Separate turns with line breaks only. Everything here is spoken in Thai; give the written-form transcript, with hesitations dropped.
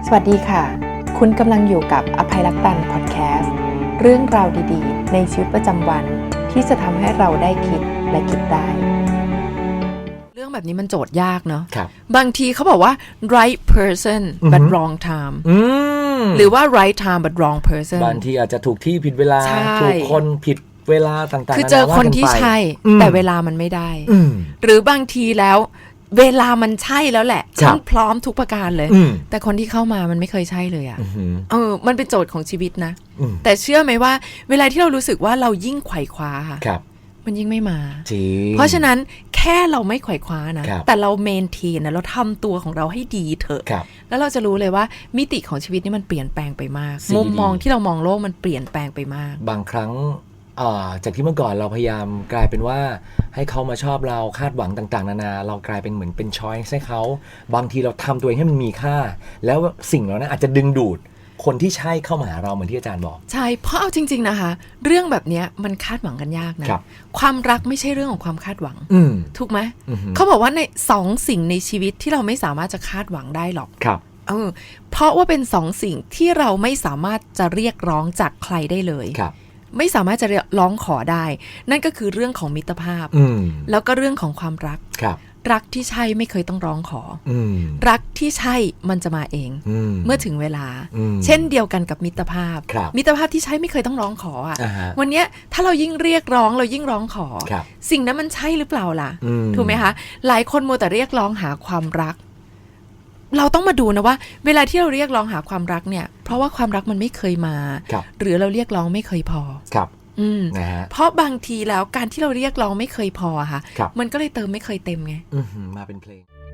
สวัสดีค่ะคุณกำลังอยู่กับอภัยรักตันพอดแคสต์เรื่องราวดีๆในชีวิตประจำวันที่จะทำให้เราได้คิดและคิดได้เรื่องแบบนี้มันโจทย์ยากเนาะบางทีเขาบอกว่า right person but wrong time หรือว่า right time but wrong person
บางทีอาจจะถูกที่ผิดเวลาถูกคนผิดเวลาต่างๆ
คือเจอคนที่ใช่แต่เวลามันไม่ได้หรือบางทีแล้วเวลามันใช่แล้วแหละฉันพร้อมทุกประการเลยแต่คนที่เข้ามามันไม่เคยใช่เลยอ่ะมันเป็นโจทย์ของชีวิตนะแต่เชื่อไหมว่าเวลาที่เรารู้สึกว่าเรายิ่งไขว่คว้าค่ะมันยิ่งไม่มาเพราะฉะนั้นแค่เราไม่ไขว่คว้านะแต่เราเมนเทนนะเราทำตัวของเราให้ดีเถอะแล้วเราจะรู้เลยว่ามิติของชีวิตนี่มันเปลี่ยนแปลงไปมากมุมมองที่เรามองโลกมันเปลี่ยนแปลงไปมาก
บางครั้งจากที่เมื่อก่อนเราพยายามกลายเป็นว่าให้เขามาชอบเราคาดหวังต่างๆนานาเรากลายเป็นเหมือนเป็นช้อยส์ให้เขาบางทีเราทำตัวเองให้มันมีค่าแล้วสิ่งเหล่านั้นอาจจะดึงดูดคนที่ใช่เข้ามาหาเราเหมือนที่อาจารย์บอก
ใช่เพราะเอาจริงๆนะคะเรื่องแบบนี้มันคาดหวังกันยากนะความรักไม่ใช่เรื่องของความคาดหวังถูกไหมเขาบอกว่าใน2 สิ่งในชีวิตที่เราไม่สามารถจะคาดหวังได้หรอกเพราะว่าเป็น2 สิ่งที่เราไม่สามารถจะเรียกร้องจากใครได้เลยไม่สามารถจะร้องขอได้นั่นก็คือเรื่องของมิตรภาพแล้วก็เรื่องของความรักรักที่ใช่ไม่เคยต้องร้องขอรักที่ใช่มันจะมาเองเมื่อถึงเวลาเช่นเดียวกันกับมิตรภาพมิตรภาพที่ใช่ไม่เคยต้องร้องขออ่ะวันนี้ถ้าเรายิ่งเรียกร้องเรายิ่งร้องขอสิ่งนั้นมันใช่หรือเปล่าล่ะถูกไหมคะหลายคนมัวแต่เรียกร้องหาความรักเราต้องมาดูนะว่าเวลาที่เราเรียกร้องหาความรักเนี่ยเพราะว่าความรักมันไม่เคยมาหรือเราเรียกร้องไม่เคยพอเพราะบางทีแล้วการที่เราเรียกร้องไม่เคยพอค่ะมันก็เลยเติมไม่เคยเต็มไง
มาเป็นเพลง